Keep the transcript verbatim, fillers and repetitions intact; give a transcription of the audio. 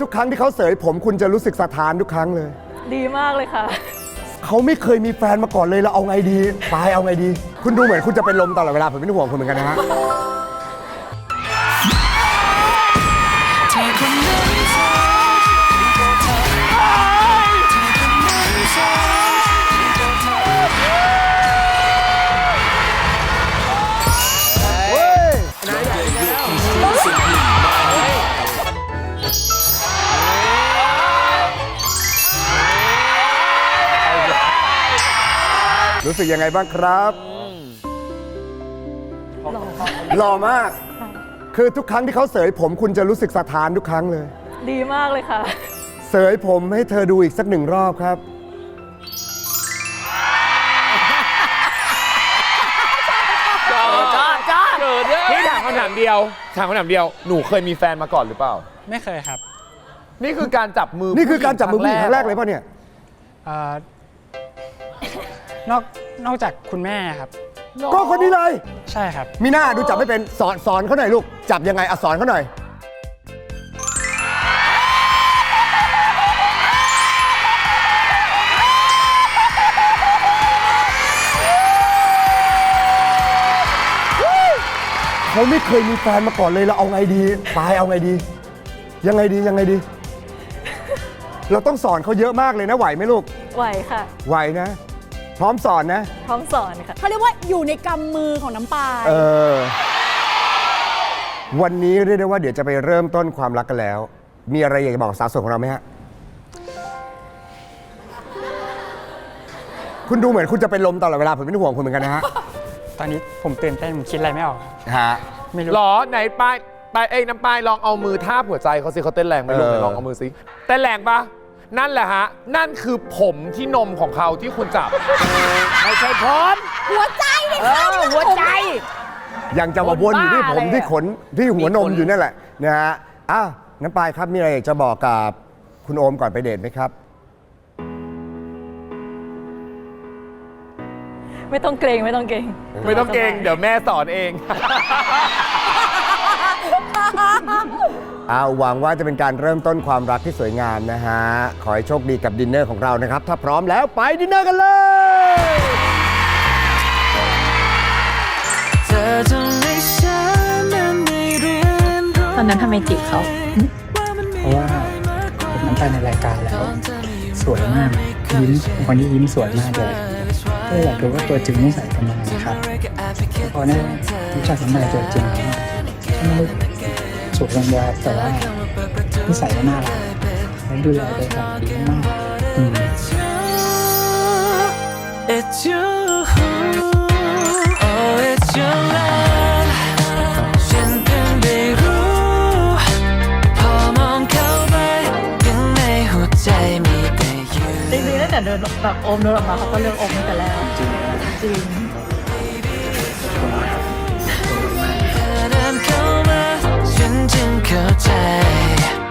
ทุกครั้งที่เขาเสยผมคุณจะรู้สึกสะท้านทุกครั้งเลยดีมากเลยค่ะเขาไม่เคยมีแฟนมาก่อนเลยเราเอาไงดีปายเอาไงดีคุณดูเหมือนคุณจะเป็นลมตลอดเวลาผมเป็นห่วงคุณเหมือนกันนะฮะรู้สึกยังไงบ้างครับหล่อมากคือทุกครั้งที่เขาเสยผมคุณจะรู้สึกสะท้านทุกครั้งเลยดีมากเลยค่ะเสยผมให้เธอดูอีกสักหนึ่งรอบครับจอดจอดจอดพี่ถามคำถามเดียวถามคำถามเดียวหนูเคยมีแฟนมาก่อนหรือเปล่าไม่เคยครับนี่คือการจับมือนี่คือการจับมือผู้หญิงครั้งแรกเลยป่ะเนี่ยนอกนอกจากคุณแม่ครับก็คนนี้เลยใช่ครับมีหน้าดูจับไม่เป็นสอนสอนเขาหน่อยลูกจับยังไงอ่ะสอนเขาหน่อยเขาไม่เคยมีแฟนมาก่อนเลยเราเอาไงดีปายเอาไงดียังไงดียังไงดีเราต้องสอนเขาเยอะมากเลยนะไหวไหมลูกไหวค่ะไหวนะพร้อมสอนนะพร้อมสอนค่ะเขาเรียกว่าอยู่ในกำมือของน้ำปลาเออวันนี้เรียกได้ว่าเดี๋ยวจะไปเริ่มต้นความรักกันแล้วมีอะไรอยากจะบอกสาวโสดของเราไหมฮะคุณดูเหมือนคุณจะเป็นลมตลอดเวลาผมเป็นห่วงคุณเหมือนกันนะฮะตอนนี้ผมตื่นเต้นผมคิดอะไรไม่ออกฮะไม่รู้หรอไหนปายปายเอ้ยน้ำปายลองเอามือทาบหัวใจเขาสิเขาเต้นแรงไหมลูกไหนลองเอามือสิเต้นแรงปะนั่นแหละฮะนั่นคือผมที่นมของเขาที่คุณจับไม่ใช่ผมหัวใจเลยค่ะหัวใจยังจะมาวนอยู่ที่ผมที่ขนที่หัวนมอยู่นั่นแหละนะฮะอ้าวน้ำปายครับมีอะไรอยากจะบอกกับคุณโอมก่อนไปเดทไหมครับไม่ต้องเกรงไม่ต้องเกรงไม่ต้องเกรงเดี๋ยวแม่สอนเองเอาหวังว่าจะเป็นการเริ่มต้นความรักที่สวยงามนะฮะขอให้โชคดีกับดินเนอร์ของเรานะครับถ้าพร้อมแล้วไปดินเนอร์กันเลยตอนนั้นทำไมจีบเขาเพราะว่าผมน้ำตาในรายการแล้วสวยมากยิ้มคนนี้ยิ้มสวยมากเลยก็อยากรู้ว่าตัวจริงนิสัยเป็นยังไงครับพอได้รู้จักน้ำตาตัวจริงแล้วไม่ได้สุดรังยาแต่ว่านิสัยก็น่ารักและดูแลตัวเองดีมากอืมจริงๆตั้งแต่เดินแบบโอมเดินออกมาเขาก็เลือกโอมตั้งแต่แรกจริงจริงฉันจึงเข้าใจ